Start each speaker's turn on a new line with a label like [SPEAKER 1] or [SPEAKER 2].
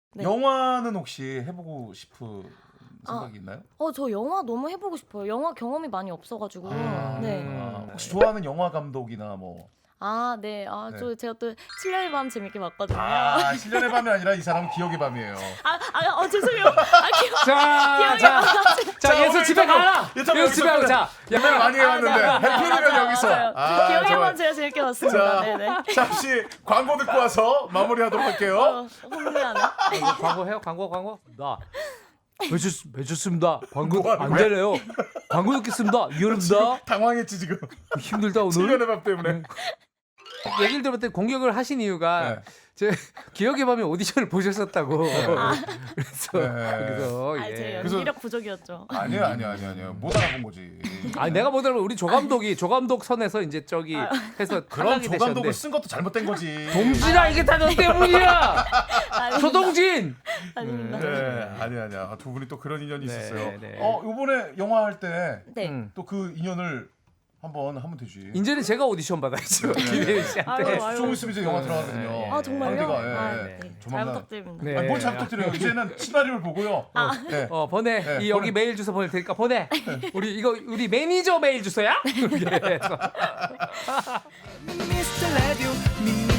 [SPEAKER 1] 네.
[SPEAKER 2] 영화는 혹시 해보고 싶은 생각이 있나요?
[SPEAKER 1] 저 영화 너무 해보고 싶어요. 영화 경험이 많이 없어가지고. 네.
[SPEAKER 2] 혹시 좋아하는 영화 감독이나 뭐?
[SPEAKER 1] 네.
[SPEAKER 2] 네.
[SPEAKER 1] 제가 또 7년의 밤 재밌게 봤거든요.
[SPEAKER 2] 7년의 밤이 아니라 이 사람은 기억의 밤이에요.
[SPEAKER 1] 죄송해요.
[SPEAKER 3] 자, 예수 집에 가라. 예수 집에 가라. 자,
[SPEAKER 2] 영화를 많이 해왔는데 해피리면 여기서.
[SPEAKER 1] 기억의
[SPEAKER 2] 좋아요.
[SPEAKER 1] 밤 제가 재밌게 봤습니다.
[SPEAKER 2] 자,
[SPEAKER 1] 네네.
[SPEAKER 2] 잠시 광고 듣고 와서 마무리하도록 할게요.
[SPEAKER 1] 흥미하네.
[SPEAKER 3] 광고해요? 광고? 매주습니다. 광고
[SPEAKER 2] 뭐 하는
[SPEAKER 3] 안
[SPEAKER 2] 거야?
[SPEAKER 3] 되네요. 광고 듣겠습니다. 이해합니다.
[SPEAKER 2] 당황했지 지금.
[SPEAKER 3] 힘들다 오늘.
[SPEAKER 2] 7년의 밤 때문에.
[SPEAKER 3] 얘기를 들었더니 공격을 하신 이유가
[SPEAKER 2] 네.
[SPEAKER 3] 제 기억의 밤에 오디션을 보셨었다고. 그래서
[SPEAKER 1] 제
[SPEAKER 3] 예.
[SPEAKER 1] 연기력 부족이었죠.
[SPEAKER 2] 아니요. 못 알아본 거지.
[SPEAKER 3] 내가 못 알아보면 우리 조 감독 선에서 이제 저기 해서
[SPEAKER 2] 그럼
[SPEAKER 3] 탈락이
[SPEAKER 2] 조 감독을
[SPEAKER 3] 되셨는데.
[SPEAKER 2] 쓴 것도 잘못된 거지.
[SPEAKER 3] 동진아 이게 다 너 때문이야. 조동진.
[SPEAKER 1] 아닙니다.
[SPEAKER 2] 네, 아니야. 두 분이 또 그런 인연이
[SPEAKER 3] 네,
[SPEAKER 2] 있었어요.
[SPEAKER 3] 네.
[SPEAKER 2] 이번에 영화 할 때 또
[SPEAKER 1] 네.
[SPEAKER 2] 그 인연을 한번 하면 되지.
[SPEAKER 3] 이제는 제가 오디션 받아야죠. 김혜윤 씨한테.
[SPEAKER 2] 좀 있으면 이제 영화 들어가거든요.
[SPEAKER 1] 정말요?
[SPEAKER 2] 상대가,
[SPEAKER 1] 네. 잘
[SPEAKER 2] 조만간.
[SPEAKER 1] 부탁드립니다.
[SPEAKER 3] 네.
[SPEAKER 2] 뭘 잘 부탁드려요. 이제는 시나리오를 보고요. 네.
[SPEAKER 3] 보내.
[SPEAKER 2] 네,
[SPEAKER 3] 여기 메일 주소 보낼 테니까 보내. 우리 매니저 메일 주소야?
[SPEAKER 4] Mr. Radio,